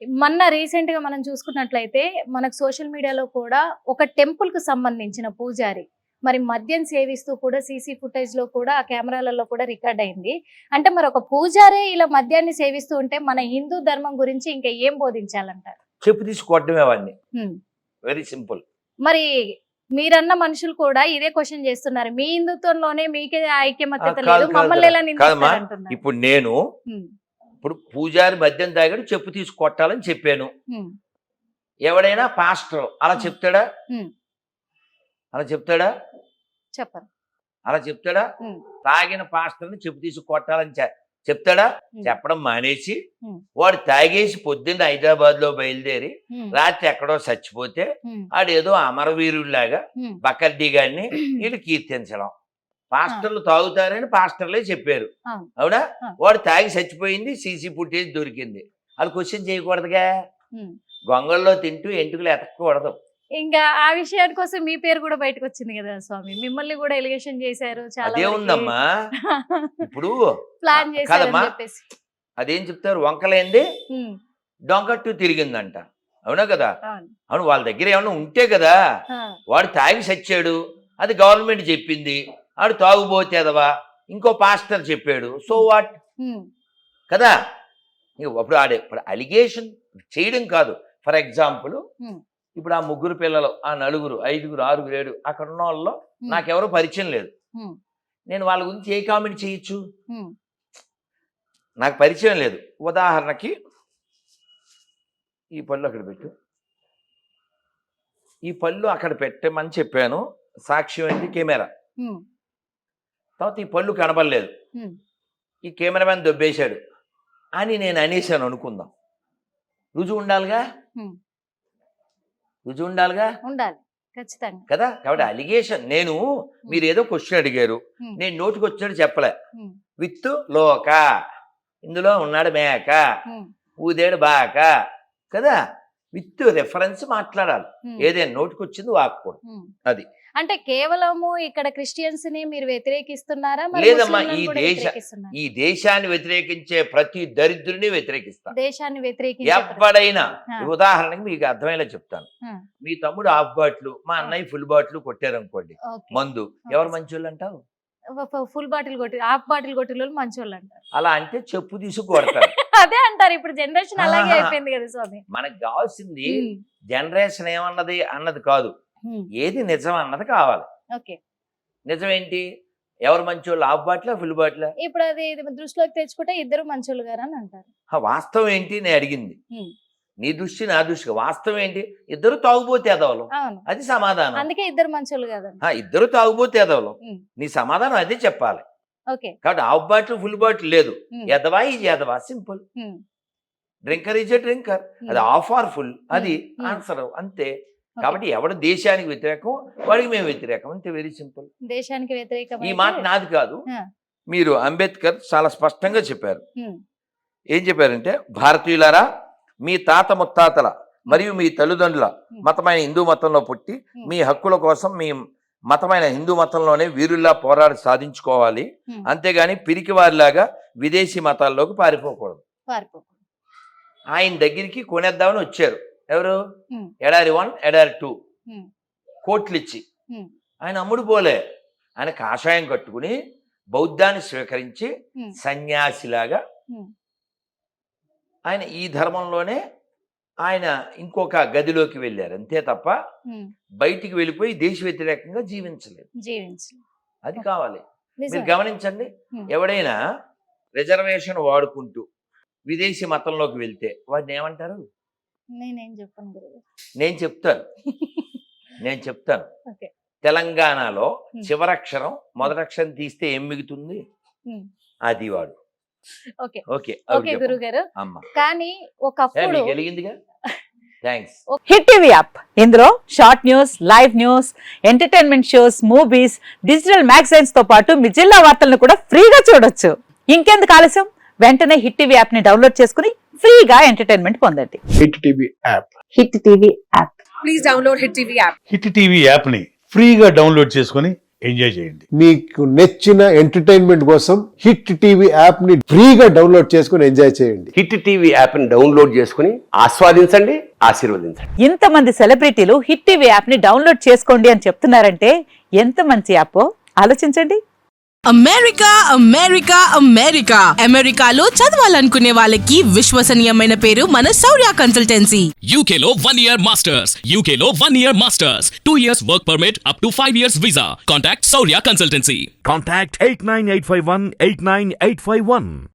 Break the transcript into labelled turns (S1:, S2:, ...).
S1: మొన్న రీసెంట్ గా మనం చూసుకున్నట్లయితే మనకు సోషల్ మీడియాలో కూడా ఒక టెంపుల్ కు సంబంధించిన పూజారి మరి మద్యం సేవిస్తూ కూడా సీసీ ఫుటేజ్ లో కూడా ఆ కెమెరాలలో కూడా రికార్డ్ అయింది. అంటే మరి ఒక పూజారే ఇలా మద్యాన్ని సేవిస్తూ ఉంటే మన హిందూ ధర్మం గురించి ఇంకా ఏం బోధించాలంటారు?
S2: చెప్పు తీసుకోవడమే అవన్నీ. Very simple.
S1: మరి మీరన్న మనుషులు కూడా ఇదే క్వశ్చన్ చేస్తున్నారు. మీ హిందుత్వంలోనే మీకే ఐక్యమత్యత లేదు, మమ్మల్ని ఎలా నిందిస్తారంటున్నారు.
S2: ఇప్పుడు నేను ఇప్పుడు పూజారి మద్యం తాగాడు చెప్పు తీసి కొట్టాలని చెప్పాను. ఎవడైనా పాస్టర్ అలా చెప్తాడా? అలా చెప్తాడా?
S1: చెప్పరు.
S2: అలా చెప్తాడా? తాగిన పాస్టర్ని చెప్పు తీసి కొట్టాలని చెప్తాడా? చెప్పడం మానేసి వాడు తాగేసి పొద్దున్న హైదరాబాద్ లో బయలుదేరి రాత్రి ఎక్కడో చచ్చిపోతే ఆడేదో అమరవీరుడిలాగా బకర్డీ గారిని వీళ్ళు కీర్తించడం. పాస్టర్లు తాగుతారని పాస్టర్లే చెప్పారు, అవునా? వాడు తాగి చచ్చిపోయింది, సీసీ ఫుటేజ్ దొరికింది. అది క్వశ్చన్ చేయకూడదుగా. గొంగల్లో తింటూ ఎంటుకలు ఎతకూడదు.
S1: ఇంకా ఆ విషయాని కోసం మీ పేరు కూడా బయటకు వచ్చింది కదా స్వామి, మిమ్మల్ని కూడా ఎలిగేషన్ చేశారు.
S2: అదే ఉందమ్మా. ఇప్పుడు
S1: ప్లాన్ చేశారు.
S2: అదేం చెప్తారు, వంకలేంది డొంకట్టు తిరిగిందంట, అవునా కదా? అవును, వాళ్ళ దగ్గర ఏమన్నా ఉంటే కదా. వాడు తాగి చచ్చాడు, అది గవర్నమెంట్ చెప్పింది. ఆడు తాగుబోతేదవా ఇంకో పాస్టర్ చెప్పాడు, సో వాట్ కదా. అప్పుడు ఇప్పుడు అలిగేషన్ చేయడం కాదు. ఫర్ ఎగ్జాంపుల్ ఇప్పుడు ఆ 3 పిల్లలు, ఆ 4, 5, 6, 7 అక్కడ ఉన్న వాళ్ళలో నాకెవరో పరిచయం లేదు. నేను వాళ్ళ గురించి ఏ కామెంట్ చేయొచ్చు? నాకు పరిచయం లేదు. ఉదాహరణకి ఈ పళ్ళు అక్కడ పెట్టు, ఈ పళ్ళు అక్కడ పెట్టమని చెప్పాను. సాక్ష్యం ఏంటి? కెమెరా. తర్వాత ఈ పళ్ళు కనబడలేదు, ఈ కెమెరామెన్ దొబ్బేశాడు అని నేను అనేసాను అనుకుందాం. రుజువు ఉండాలిగా, రుజువు ఉండాలిగా.
S1: ఉండాలి ఖచ్చితంగా
S2: కదా. కాబట్టి అలిగేషన్, నేను మీరు ఏదో క్వశ్చన్ అడిగారు, నేను నోటికి వచ్చినట్టు చెప్పలే. విత్ లోక, ఇందులో ఉన్నాడు మేక, ఊదేడు బాక కదా. విత్ రెఫరెన్స్ మాట్లాడాలి. ఏదైనా నోటికి వచ్చింది వాక్కూడదు. అది
S1: అంటే కేవలము ఇక్కడ క్రిస్టియన్స్ ని మీరు వ్యతిరేకిస్తున్నారా?
S2: లేదమ్మా, ఈ దేశాన్ని వ్యతిరేకించే ప్రతి దరిద్రుని వ్యతిరేకిస్తా.
S1: దేశాన్ని వ్యతిరేకించే
S2: ఎవడైనా, ఉదాహరణకి మీకు అర్థమయ్యేలా చెప్తాను. మీ తమ్ముడు హాఫ్ బాటిల్, మా అన్నయ్య ఫుల్ బాటిల్ కొట్టారనుకోండి మందు, ఎవరు మంచోళ్ళు అంటావు?
S1: ఫుల్ బాటిల్ కొట్టి హాఫ్ బాటిల్ కొట్టిన మంచోళ్ళు అంటారు.
S2: అలా అంటే చెప్పు తీసి కొడతారు.
S1: అదే అంటారు. ఇప్పుడు జనరేషన్ అలాగే అయిపోయింది కదా స్వామి.
S2: మనకు కావాల్సింది జనరేషన్ ఏమన్నది అన్నది కాదు, ఏది నిజం అన్నది కావాలి. నిజం ఏంటి? ఎవరు మంచోళ్ళు, హాఫ్ బాటిల్ ఫుల్ బాటిల్?
S1: ఇప్పుడు అది దృష్టిలోకి తెచ్చుకుంటే ఇద్దరు మంచోళ్ళు గారు అని అంటారు.
S2: వాస్తవం ఏంటి నేను అడిగింది? నీ దృష్టి నా దృష్టి, వాస్తవం ఏంటి? ఇద్దరు తాగుబోతే ఎదవలు, అది సమాధానం.
S1: అందుకే ఇద్దరు మంచోళ్ళు కదా.
S2: ఇద్దరు తాగుబోతే ఎదవలు, నీ సమాధానం అదే చెప్పాలి. కాబట్టి హాఫ్ బాటిల్ ఫుల్ బాటిల్ లేదు, ఎదవా ఇది ఎదవా, simple. Drinker is a drinker, అది హాఫ్ ఆర్ ఫుల్, అది ఆన్సర్ అంతే. కాబట్టి ఎవడు దేశానికి వ్యతిరేకం వాడికి మేము వ్యతిరేకం, అంతే. Very simple.
S1: దేశానికి వ్యతిరేకం
S2: ఈ మాట నాది కాదు, మీరు అంబేద్కర్ చాలా స్పష్టంగా చెప్పారు. ఏం చెప్పారంటే, భారతీయులారా, మీ తాత ముత్తాతల మరియు మీ తల్లిదండ్రుల మతమైన హిందూ మతంలో పుట్టి మీ హక్కుల కోసం మీ మతమైన హిందూ మతంలోనే వీరుల్లా పోరాడి సాధించుకోవాలి, అంతేగాని పిరికి వారిలాగా విదేశీ మతాల్లోకి పారిపోకూడదు. ఆయన దగ్గరికి కొనేద్దామని వచ్చారు ఎవరు? ఎడారి 1, ఎడారి 2 కోట్లు ఇచ్చి. ఆయన అమ్ముడు పోలే, ఆయన కాషాయం కట్టుకుని బౌద్ధాన్ని స్వీకరించి సన్యాసిలాగా ఆయన ఈ ధర్మంలోనే ఆయన ఇంకొక గదిలోకి వెళ్ళారు, అంతే తప్ప బయటికి వెళ్ళిపోయి దేశ వ్యతిరేకంగా జీవించలేదు. అది కావాలి. మీరు గమనించండి, ఎవడైనా రిజర్వేషన్ వాడుకుంటూ విదేశీ మతంలోకి వెళ్తే వాడిని ఏమంటారు? నేను చెప్తాను. తెలంగాణలో చివరక్షరం మొదటక్షరం తీస్తే ఏం మిగుతుంది? అది వాడు.
S1: కానీ ఒకప్పుడు
S3: హిట్ టీవీ యాప్, ఇందులో short news, live news, entertainment shows, movies, digital magazines తో పాటు మీ జిల్లా వార్తలను కూడా ఫ్రీగా చూడొచ్చు. ఇంకెందుకు ఆలస్యం, వెంటనే హిట్ టీవీ యాప్ ని డౌన్లోడ్ చేసుకుని ఫ్రీగా ఎంటర్టైన్మెంట్ పొందండి.
S4: Hit TV app.
S3: Hit TV app.
S5: Please download hit TV app.
S4: Hit TV app ని ఫ్రీగా డౌన్లోడ్ చేసుకుని ఎంజాయ్ చేయండి.
S5: మీకు నచ్చిన ఎంటర్టైన్మెంట్ కోసం హిట్ టీవీ యాప్ ని ఫ్రీగా డౌన్లోడ్ చేసుకుని ఎంజాయ్ చేయండి.
S6: హిట్ టీవీ యాప్ని డౌన్లోడ్ చేసుకుని ఆస్వాదించండి, ఆశీర్వదించండి.
S3: ఇంతమంది సెలబ్రిటీలు హిట్ టీవీ యాప్ ని డౌన్లోడ్ చేసుకోండి అని చెప్తున్నారంటే ఎంత మంచి యాప్ ఆలోచించండి.
S7: అమెరికా అమెరికా అమెరికా అమెరికాలో చదవాలనుకునే వాళ్ళకి విశ్వసనీయమైన పేరు మన Shaurya consultancy.
S8: UK Law 1 Year Masters. UK Law 1 Year Masters. 2 years work permit up to 5 years visa. Contact Saurya Consultancy.
S4: Contact 89851 89851.